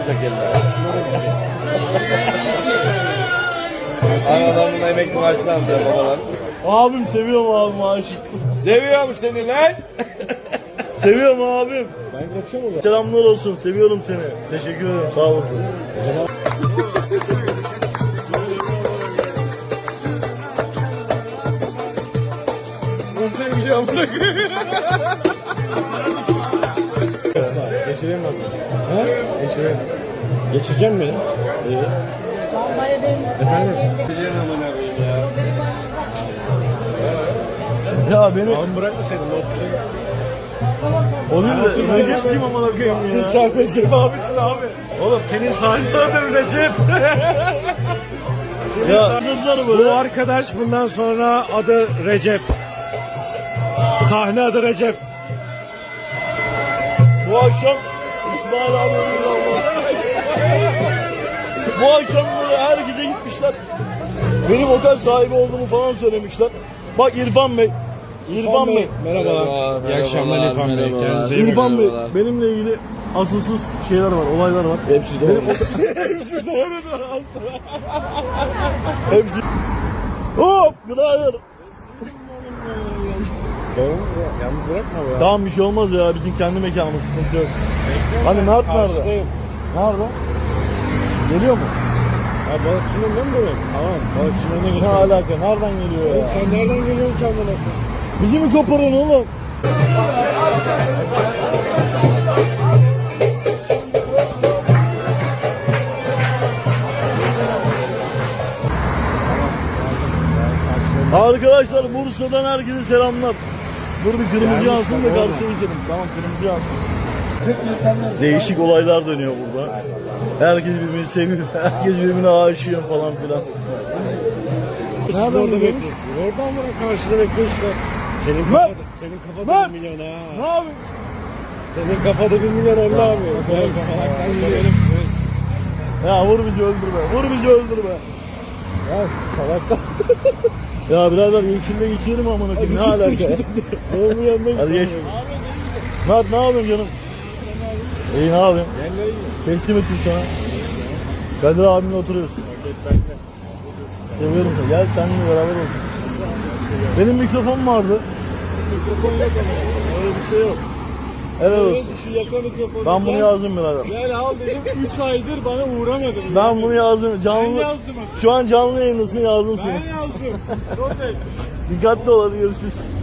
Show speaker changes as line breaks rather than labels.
atacak eline. Analarının emekli maaşını alacak babalar.
Abim seviyorum abim aşık.
Seviyorum seni lan.
Seviyorum abim.
Ben kaçıyorum o.
Selamlar olsun. Seviyorum seni. Teşekkür ederim. Sağ olasın.
Sen gidiyorum bırakıyorum.
Geçireyim nasıl? Ha? Geçireyim. Geçireceğim mi? İyi. Efendim?
Ya beni...
Abi bırakmasaydın.
O değil de Recep kim amına koyayım ya?
Sen Recep abisin abi. Oğlum senin sahne adı Recep.
Ya kızlar
Bu
böyle.
arkadaş bundan sonra adı Recep. Sahne adı Recep.
Bu akşam İsmail abi bu akşam böyle herkese gitmişler. Benim otel sahibi olduğumu falan söylemişler. Bak İrfan Bey. İrfan Bey.
Merhabalar. İyi akşamlar İrfan Bey. Kendinize iyi
İrfan Bey
Merhabalar.
benimle ilgili asılsız şeyler var, olaylar var.
Hepsi doğru.
Hepsi doğrudur.
Hepsi. Hop! Günaydın.
Yalnız bırakma be.
Tamam bir şey olmaz ya. Bizim kendi mekanımız, sıkıntı yok. Hani Mert nerede?
Karşıdayım.
Nerede? Geliyor mu?
Ha balıkçının önünden mi böyle? Tamam. Balıkçının önüne
Ne
geçelim.
alaka? Nereden geliyor ya?
Sen nereden geliyorsun kendine?
Bizi mi koparıyorsun oğlum? Arkadaşlar Bursa'dan herkese selamlar. Dur bir kırmızı yansın da karşıya geçelim. Tamam kırmızı yansın. Değişik olaylar dönüyor burada. Herkes birbirini seviyor. Herkes birbirine aşıyor falan filan.
Nereden
Orada
bekliyorsun? Oradan bırak karşıda bekle işte. Senin kafada 1 milyon ha.
Ne yapayım?
Senin kafada 1 milyon oldu abi. Gel salaktan gidelim.
Ya vur bizi öldürme. Vur bizi öldürme.
Ya salaktan.
Ya birader yeşille geçirim amına koyayım. Ne alaka?
Oğlum yanına
Hadi geç. Mert ne yapıyorsun canım? İyi ne yapıyorsun? Teslim ettim sana. Kadir abimle oturuyorsun. Seviyorum seni. Gel seninle beraber olsun. Benim mikrofon vardı.
Mikrofon yok ama. Öyle bir şey yok.
Helal olsun.
Şu yaka mikrofonu.
Ben bunu yazdım birader.
Gel al dedim 3 aydır bana uğramadın.
Ben bunu yazdım.
Ben
Canlı.
yazdım aslında.
Şu an canlı yayındasın yazdım
Ben
seni.
yazdım. Çok iyi.
Dikkatli ol hadi görüşürüz.